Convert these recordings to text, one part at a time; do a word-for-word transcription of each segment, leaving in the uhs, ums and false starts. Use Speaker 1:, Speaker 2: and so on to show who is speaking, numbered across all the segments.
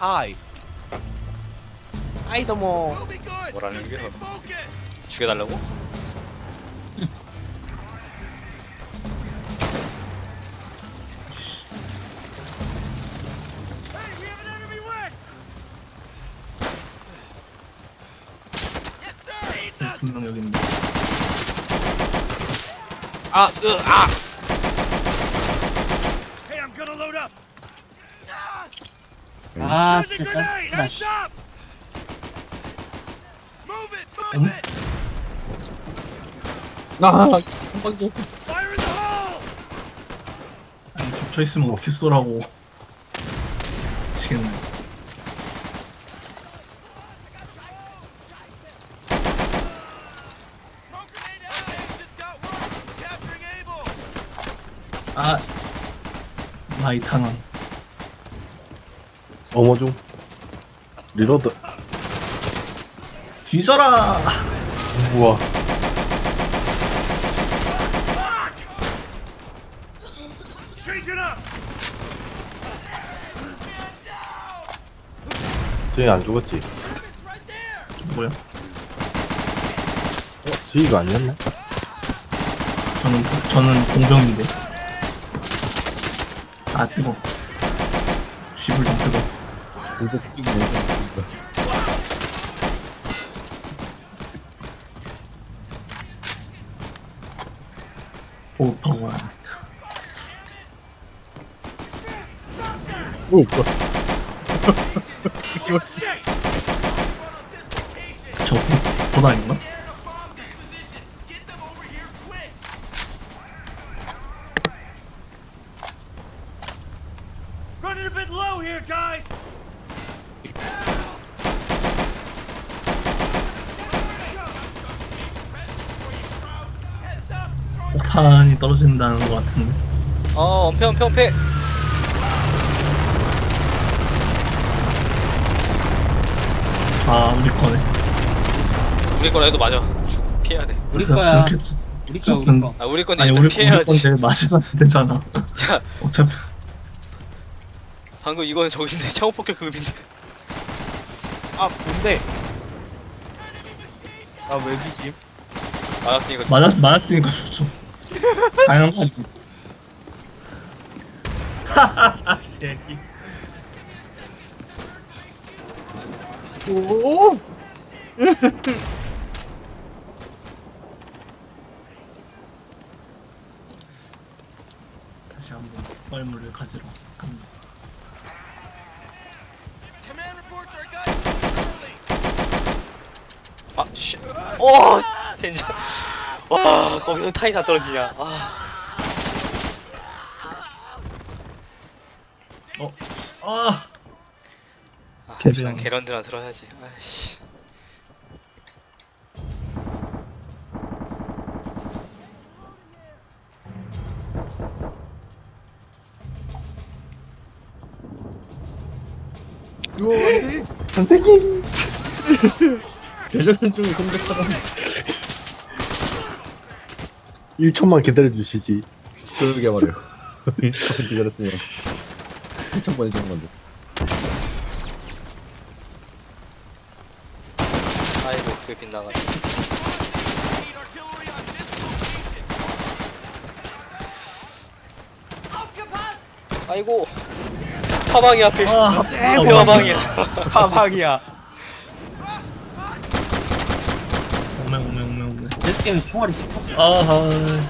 Speaker 1: 하이. 하이 도모.
Speaker 2: 뭐라는 게 죽여달라고?
Speaker 3: 분명 여기 있는데.
Speaker 1: 아, 으, 아.
Speaker 4: 아 진짜 짜증나 씨.
Speaker 3: 응?
Speaker 5: 아, 한방 줬어.
Speaker 3: 아니 겹쳐 있으면 어떻게 쏘라고. 미치겠네. 아, 마이 탄원.
Speaker 5: 어머 중. 리로드.
Speaker 3: 뒤져라.
Speaker 5: 우와. 쟤안 죽었지?
Speaker 3: 뭐야?
Speaker 5: 어? 지희가 아니었나?
Speaker 3: 저는 저는 공병인데. 아 뜨거. 쥐불 좀 뜨거.
Speaker 5: 이거 죽이긴 해.
Speaker 3: 오퍼원.
Speaker 5: 오, 뭐야.
Speaker 3: 저 돈 아닌가?
Speaker 6: Running a bit low here, guys.
Speaker 3: 폭탄이 떨어진다는 것 같은데.
Speaker 2: 어, 엄폐, 엄폐, 엄폐.
Speaker 3: 아 우리 거네.
Speaker 2: 우리 거라 해도 맞아. 죽- 피해야 돼.
Speaker 4: 우리 거야
Speaker 3: 그렇겠지.
Speaker 4: 우리 거야 우리 거
Speaker 2: 아, 우리 건데
Speaker 3: 아니
Speaker 2: 일단
Speaker 3: 우리 우리
Speaker 2: 피해야지.
Speaker 3: 건데 맞으면 안 되잖아.
Speaker 2: 야,
Speaker 3: 어차피
Speaker 2: 방금 이거는 저긴데 창호폭격 급인데.
Speaker 1: 아, 뭔데? 아, 왜 뒤지?
Speaker 2: 맞았으니까.
Speaker 3: 맞았 맞았으니까 죽죠. 당연한 거 아니야. 하하하 새끼.
Speaker 5: 오!
Speaker 3: 다시 한번 뻘물을 가지러 갑니다.
Speaker 6: Command reports our guys.
Speaker 2: 아, 씨. 오, 진짜. 와, 거기서 타이 다 떨어지냐. 아,
Speaker 3: 어, 아,
Speaker 2: 아
Speaker 3: 개병.
Speaker 2: 일단 게런드나 들어야지. 아이씨.
Speaker 5: 선생님! 재정전 중에 공격하다. 일 초만 기다려주시지. 그러게 말해요. 일 초만 기다렸으면 일 번 해주는 건데.
Speaker 2: 아이고, 그게 빗나가네.
Speaker 6: Need artillery on this location. Aufgepasst!
Speaker 2: 아이고. 화방이 앞에.
Speaker 3: 아,
Speaker 2: 앞에 화방이야.
Speaker 1: 가방이야.
Speaker 3: 오메 오메 오메 오메.
Speaker 4: 내 게임에 총알이 씹혔어
Speaker 3: 아하.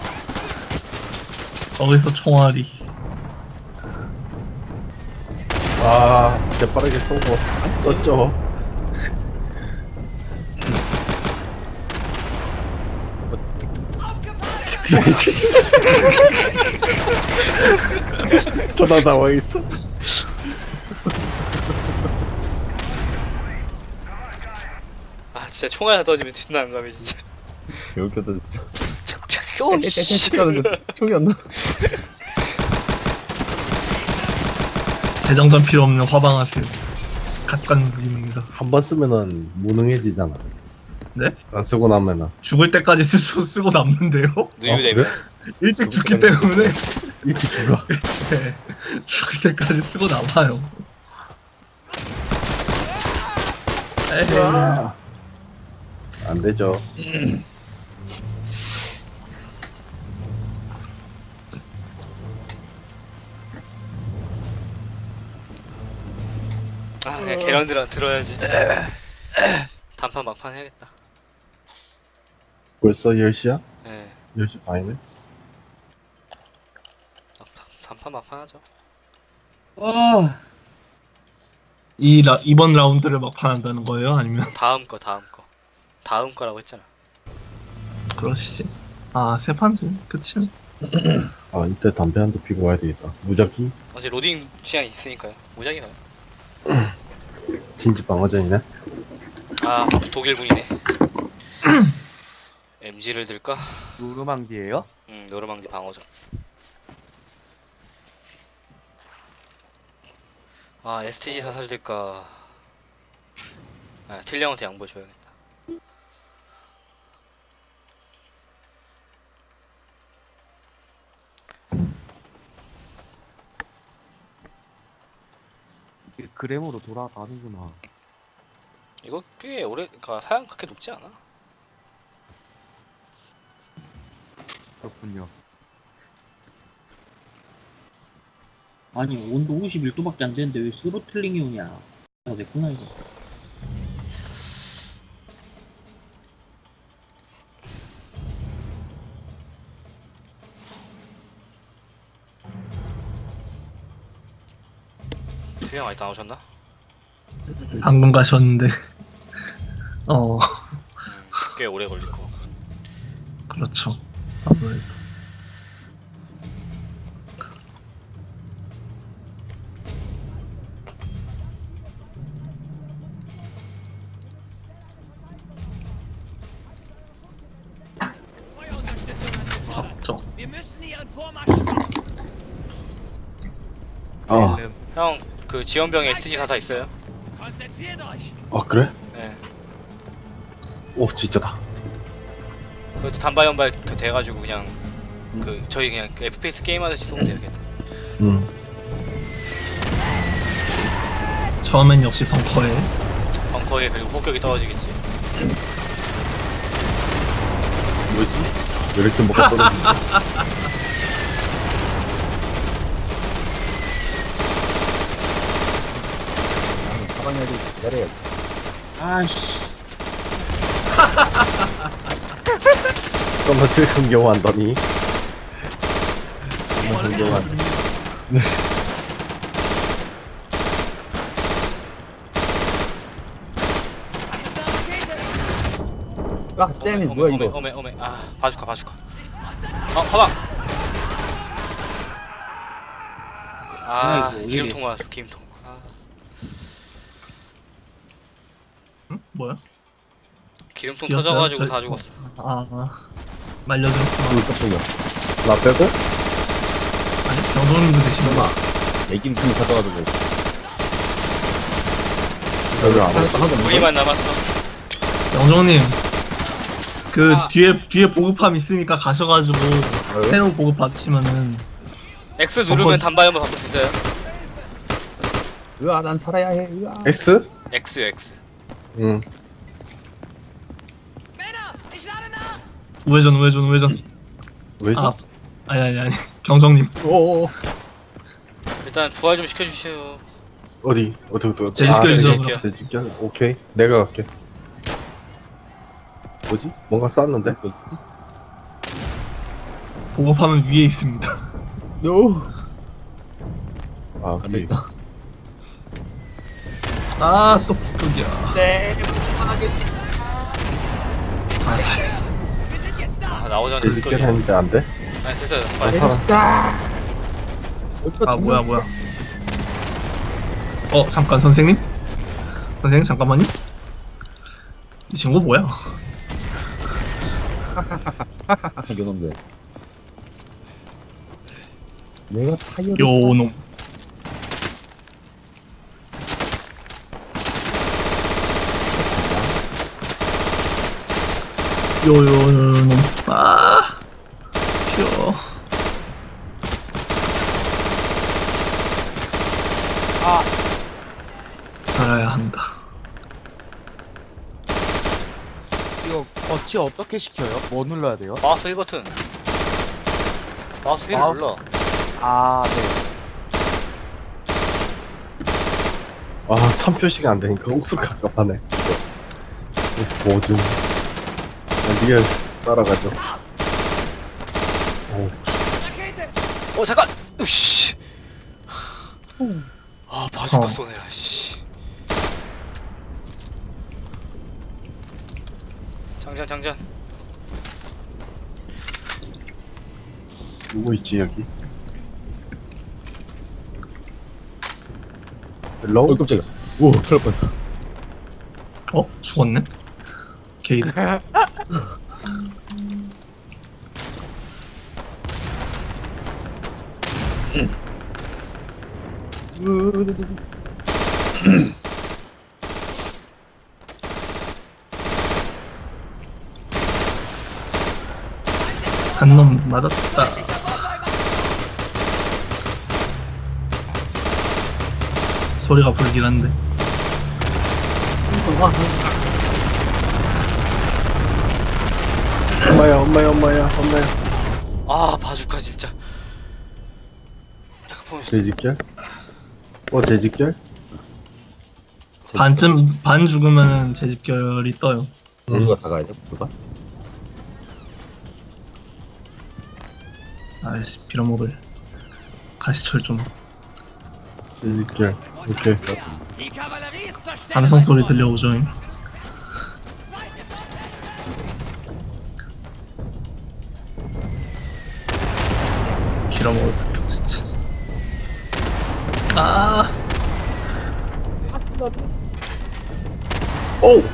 Speaker 3: 거기서 총알이.
Speaker 5: 아, 재빠르게 쏘고 안 떴죠. 전화 나와있어.
Speaker 2: 아, 진짜 총알 하나 떠지면 진짜 난감해, 진짜.
Speaker 5: 여기다 진짜.
Speaker 2: 오, 씨.
Speaker 5: 총이 안 나.
Speaker 3: 재정전 필요 없는 화방하세요. 갓간 무기입니다.
Speaker 5: 한 번 쓰면은 무능해지잖아.
Speaker 3: 네?
Speaker 5: 안 쓰고 나면은.
Speaker 3: 죽을 때까지 쓰, 쓰고 남는데요?
Speaker 2: 누유되면.
Speaker 3: 일찍 죽기 때문에
Speaker 5: 이렇게 죽어.
Speaker 3: 네, 죽을 때까지 쓰고 남아요.
Speaker 5: 안 되죠.
Speaker 2: 아 그냥 계란들아 들어야지. 단판 막판 해야겠다.
Speaker 5: 벌써 열 시야?
Speaker 2: 예.
Speaker 5: 열 시 반이네?
Speaker 2: 막판, 단판 막판 하죠.
Speaker 4: 어,
Speaker 3: 이 라, 이번 라운드를 막판 한다는 거예요? 아니면
Speaker 2: 다음 거 다음 거 다음 거라고 했잖아.
Speaker 3: 그러시지? 아, 세 판지. 그치?
Speaker 5: 아, 이때 담배 한 대 피고 와야 되겠다. 무작위?
Speaker 2: 어제 로딩 시간 있으니까요. 무작위 가요.
Speaker 5: 진지 방어전이네?
Speaker 2: 아 독일군이네. 엠지를 들까?
Speaker 1: 노르망디예요?
Speaker 2: 응 노르망디 방어전. 아 에스티지 사살 들까? 아 틸령한테 양보해줘야겠다.
Speaker 1: 이게 그램으로 돌아가는구나.
Speaker 2: 이거 꽤 오래, 그니까 사양 그렇게 높지 않아.
Speaker 1: 그렇군요.
Speaker 4: 아니 온도 오십일 도밖에 안 되는데 왜 스로틀링이 오냐? 아, 왜구나 이거.
Speaker 2: 틸령 아직 나오셨나?
Speaker 3: 방금 가셨는데. 어,
Speaker 2: 음, 꽤 오래 걸릴 거.
Speaker 3: 그렇죠. 아무래도.
Speaker 6: Feuerunterstützung an Support.
Speaker 3: 잡죠.
Speaker 6: Wir müssen ihren Vormarsch stoppen.
Speaker 5: 아,
Speaker 1: 음,
Speaker 2: 형, 그 지원병에 에스티지 사사 있어요?
Speaker 6: Konzentriert euch.
Speaker 5: 아, 그래?
Speaker 2: 네.
Speaker 5: 오, 진짜다.
Speaker 2: 그것도 단발연발 그 돼가지고 그냥 그 저희 그냥 그 에프피에스 게임 하듯이 쏘면 돼요. 그냥.
Speaker 5: 음.
Speaker 3: 처음엔 역시 벙커에.
Speaker 2: 벙커에 그리고 폭격이 떨어지겠지.
Speaker 5: 뭐지? 왜 이렇게 뭐가 떨어지지? 사방에도 내려야지.
Speaker 4: 아씨,
Speaker 5: 좀더 흥겨워한다니. 정말 흥겨워한. 아, 땜이
Speaker 2: 어메,
Speaker 5: 뭐야
Speaker 2: 어메,
Speaker 5: 이거?
Speaker 2: 어메, 어메. 아, 바주카, 바주카. 어, 가방. 아,
Speaker 4: 아이고,
Speaker 2: 기름통
Speaker 4: 이게.
Speaker 2: 맞았어, 기름통. 아,
Speaker 3: 응? 뭐야?
Speaker 2: 기름통
Speaker 3: 뛰었어요?
Speaker 2: 터져가지고
Speaker 3: 저-
Speaker 2: 다 죽었어.
Speaker 3: 아, 아. 말려들었구나.
Speaker 5: 어, 깜짝이야. 나 빼고?
Speaker 3: 아니, 병동님도 되시는 거.
Speaker 5: 애김통이 터져가지고. 여기 안 왔어.
Speaker 2: 우리만 남았어.
Speaker 3: 영정님, 그
Speaker 2: 아.
Speaker 3: 뒤에 뒤에 보급함 있으니까 가셔가지고 새로운 보급 받으시면은
Speaker 2: X 누르면
Speaker 3: 어,
Speaker 2: 단발연발 바꿀 수 있어요.
Speaker 5: 으아, 난 살아야 해. 으아. X?
Speaker 2: X, X.
Speaker 5: 응.
Speaker 6: Männer, ich lade nach.
Speaker 3: 우회전 우회전 우회전.
Speaker 5: 왜죠?
Speaker 3: 아, 아니 아니 아니 경정님
Speaker 5: 오오오.
Speaker 2: 일단 부활 좀 시켜주세요.
Speaker 5: 어디? 어디 어디 어디?
Speaker 3: 제집결
Speaker 5: 아,
Speaker 3: 지점으로.
Speaker 2: 제집결.
Speaker 5: 제집결? 오케이. 내가 갈게. 뭐지? 뭔가 쌌는데?
Speaker 3: 보급함은 위에 있습니다.
Speaker 5: 노. 아, 위에.
Speaker 3: 아, 또 폭격이야.
Speaker 1: 네.
Speaker 3: 자살.
Speaker 6: Wir sind jetzt da.
Speaker 2: 아, 나오자마자
Speaker 5: 제집결
Speaker 2: 끌려.
Speaker 5: 했는데 안 돼?
Speaker 2: 아니, 됐어요.
Speaker 5: 아,
Speaker 2: 빨리.
Speaker 5: 살아.
Speaker 3: 아, 뭐야 뭐야. 어, 잠깐 선생님. 선생님 잠깐만요. 이 친구 뭐야?
Speaker 5: 이놈들. 내가 타이어를
Speaker 3: 요놈. 요요놈. 아, 튀어.
Speaker 1: 아,
Speaker 3: 살아야 한다.
Speaker 1: 어치 어떻게 시켜요? 뭐 눌러야 돼요?
Speaker 2: 마우스 일 버튼. 마우스 휠을
Speaker 1: 마우스-
Speaker 2: 눌러.
Speaker 1: 아, 네.
Speaker 5: 아, 탐 표시가 안 되니까 옥수 갑갑하네. 이거 뭐좀 리얼 따라가죠. 오,
Speaker 6: Rakete!
Speaker 2: 어 잠깐. 으씨. 아 바주카
Speaker 3: 어.
Speaker 2: 쏘네. 씨. 장전 장전.
Speaker 5: 누구 있지 여기? 헬로? 어, 깜짝이야. 오, 큰일 날 뻔했다.
Speaker 3: 어? 죽었네? 게이드. 한 놈 맞았다. 소리가 불긴 한데.
Speaker 5: 엄마야, 엄마야, 엄마야, 엄마야.
Speaker 2: 아 바주카 진짜. 잠깐 보면
Speaker 5: 재직결? 어, 재직결?
Speaker 3: 반쯤, 반 죽으면 재집결이 떠요.
Speaker 5: 누가 다 가야 돼? 누가?
Speaker 3: 아이씨, 빌어먹을. 가시철 좀.
Speaker 5: 재직결. 오케이.
Speaker 6: Die Kavallerie ist zur Stelle.
Speaker 3: 함성 소리 들려오죠. 빌어먹을 거 진짜. 아,
Speaker 5: 오!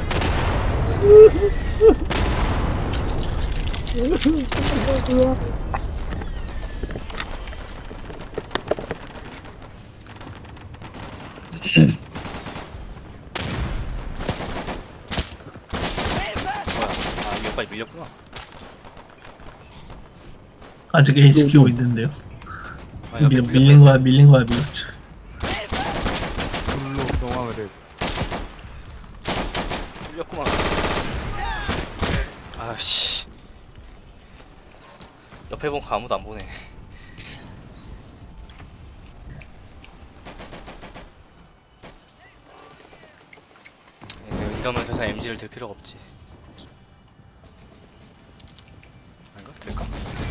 Speaker 2: 뭐야? 아 이거까지 밀렸구나.
Speaker 3: 아직 A 지키고 있는데요.
Speaker 2: 아 옆에
Speaker 3: 밀,
Speaker 2: 밀렸어.
Speaker 3: 밀린 거야, 밀린 거야, 밀렸죠.
Speaker 1: 불로 경황을 해.
Speaker 2: 밀렸구만. 아씨. 옆에 본 거 아무도 안 보네. 네, 이러면 세상 엠지를 들 필요가 없지. 아닌가? 들까?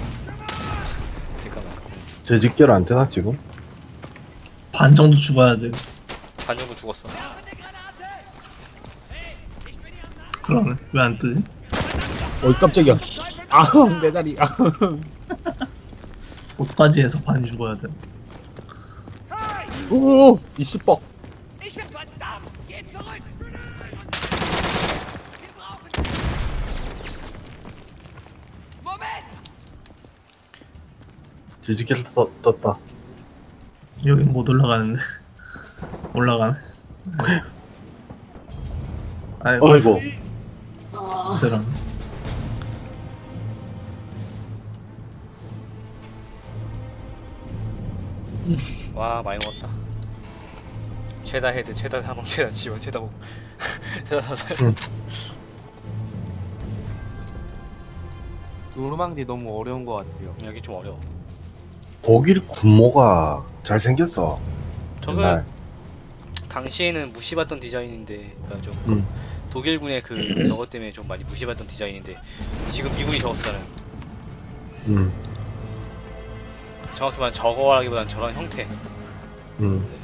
Speaker 2: 들까 말까?
Speaker 5: 재직결 안 되나, 지금?
Speaker 3: 반 정도 죽어야 돼.
Speaker 2: 반 정도 죽었어.
Speaker 6: Werfe eine Granate! Hey, ich bin hier am Nach...
Speaker 3: 그러면 왜 안 뜨지?
Speaker 5: 어, 깜짝이야. 아, 내 다리. 아.
Speaker 3: 옷까지 해서 반 죽어야 돼.
Speaker 5: 오, 이 씨뻑.
Speaker 6: Ich bin verdammt! Geht zurück! Wir brauchen... Moment!
Speaker 5: 재직결 떴, 떴다.
Speaker 3: 여기 못 올라가는데. 올라가네. 아이고,
Speaker 5: 어이구.
Speaker 3: 세랑.
Speaker 2: 와 많이 먹었다. 최다 헤드, 최다 사망, 최다 지원, 최다 목. 최다 사살.
Speaker 1: 노르망디 너무 어려운 것 같아요.
Speaker 2: 여기 좀 어려워.
Speaker 5: 독일 군모가 잘생겼어.
Speaker 2: 저거
Speaker 5: 옛날.
Speaker 2: 당시에는 무시받던 디자인인데, 그러니까 좀
Speaker 5: 음.
Speaker 2: 독일군의 그 저것 때문에 좀 많이 무시받던 디자인인데 지금 미군이 저거 쓰잖아요.
Speaker 5: 음,
Speaker 2: 정확히 말하면 저거라기보다는 저런 형태.
Speaker 5: 음.